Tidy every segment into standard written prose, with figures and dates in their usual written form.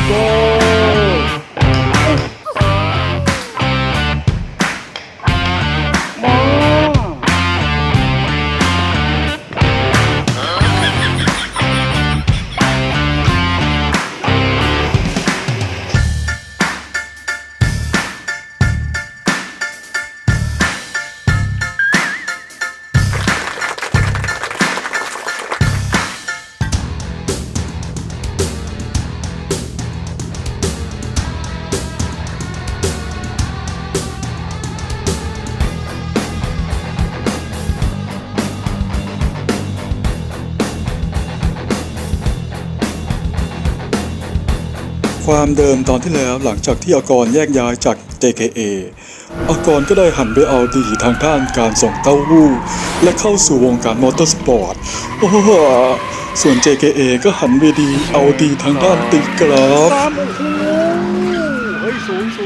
ความเดิมตอนที่แล้วหลังจากที่อากรแยกย้ายจาก JKA อากรก็ได้หันไปเอาดีทางด้านการส่งเต้าหู้และเข้าสู่วงการมอเตอร์สปอร์ตส่วน JKA ก็หันไปดีเอาดีทางด้านตีกราฟเฮ้ยสูง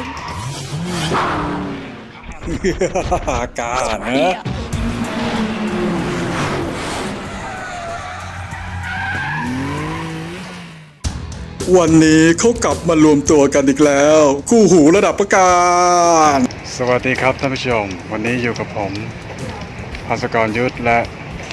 กานะวันนี้เขากลับมารวมตัวกันอีกแล้วคู่หูระดับประการสวัสดีครับท่านผู้ชมวันนี้อยู่กับผมภาสกรยุทธและ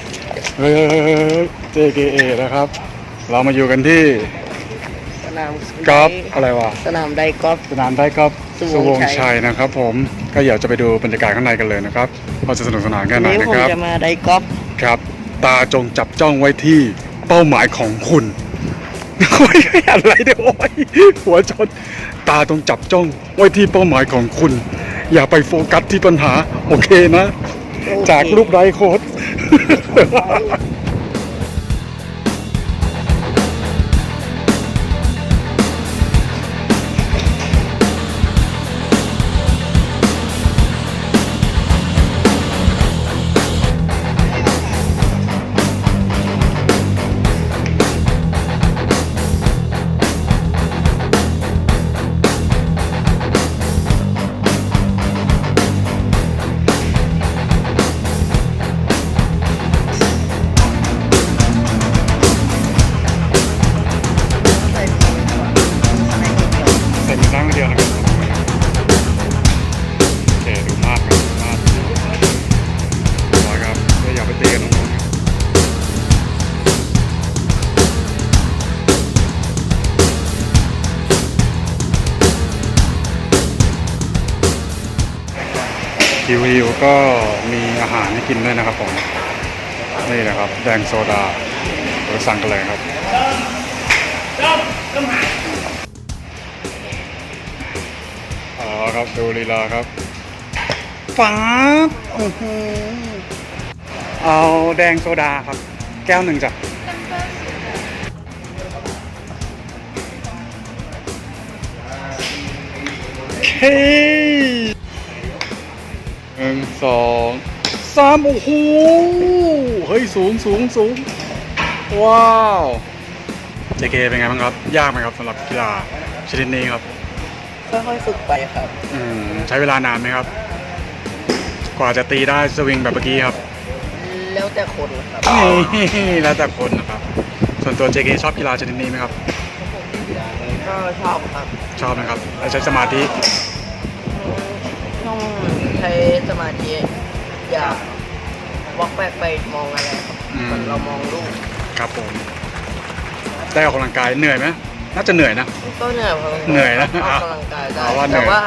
JKA นะครับเรามาอยู่กันที่สนามกอล์ฟอะไรวะสนามไดกอล์ฟสนามไดกอล์ฟสุวงศ์ชัยนะครับผมก็อยากจะไปดูบรรยากาศข้างในกันเลยนะครับเราจะสนุกสนานแค่ไหนนะครับวันนี้ผมจะมาไดกอล์ฟครับตาจงจับจ้องไว้ที่เป้าหมายของคุณโอ้ยอะไรเดี๋ยวโอ้ยหัวชนตาต้องจับจ้องไว้ที่เป้าหมายของคุณอย่าไปโฟกัสที่ปัญหาโอเคนะจากรูปไร้โค้ดใส่มือข้างเดียวนะครับโอเคดูมากครับมากร้อยครับก็อย่าไปตีกันน้องๆคิวก็มีอาหารให้กินด้วยนะครับผมนี่นะครับแดงโซดาเราสั่งกันเลยครับครับดูลีลาครับฟ้าเอาแดงโซดาครับแก้วหนึ่งจ้ะเคหนึ่งสองสามโอ้โหเฮ้ยสูงว้าว JK เป็นไงบ้างครับยากไหมครับสำหรับกีฬาชนิดนี้ครับค่อยๆฝึกไปครับใช้เวลานานไหมครับกว่าจะตีได้สวิงแบบเมื่อกี้ครับแล้วแต่คนครับแล้วแต่คนนะครับส่วนตัว JK ชอบกีฬาชนิดนี้ไหมครับก็ชอบครับชอบนะครับแล้วใช้สมาธิต้องใช้สมาธิอย่าวอกแวกไปมองอะไรครับมันเรามองลูกครับผมได้ออกกำลังกายเหนื่อยไหมน่าจะเหนื่อยนะก็เหนื่อยครับเหนื่อยนะออกกำลังกายได้แต่ว่า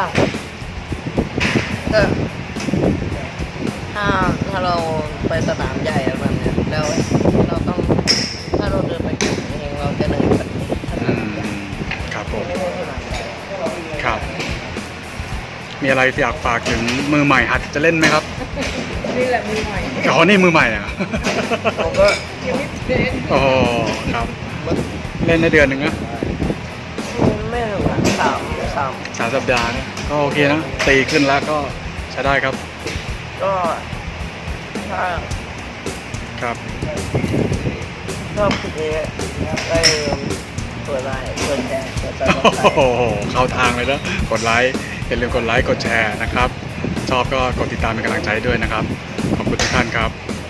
ถ้าเราไปสนามใหญ่อะไรแบบนี้แล้วเราต้องถ้าเราเดินไปเองเราจะเหนื่อยแบบนี้ครับผมครับมีอะไรอยากฝากถึงมือใหม่หัดจะเล่นไหมครับนี่แหละมือใหม่นี่มือใหม่อ่ะผมก็ยังไม่เล่นโอ้ครับเล่นในเดือนหนึ่งนะไม่ถึง3 สัปดาห์ก็โอเคนะตีขึ้นแล้วก็ใช้ได้ครับก็ถ้าครับชอบคลิปนี้ได้กดไลค์กดแชร์กดซับสไครบ์โอ้โหเข้าทางเลยนะกดไลค์อย่าลืมกดไลค์กดแชร์นะครับชอบก็กดติดตามเป็นกำลังใจด้วยนะครับขอบคุณทุกท่านครับ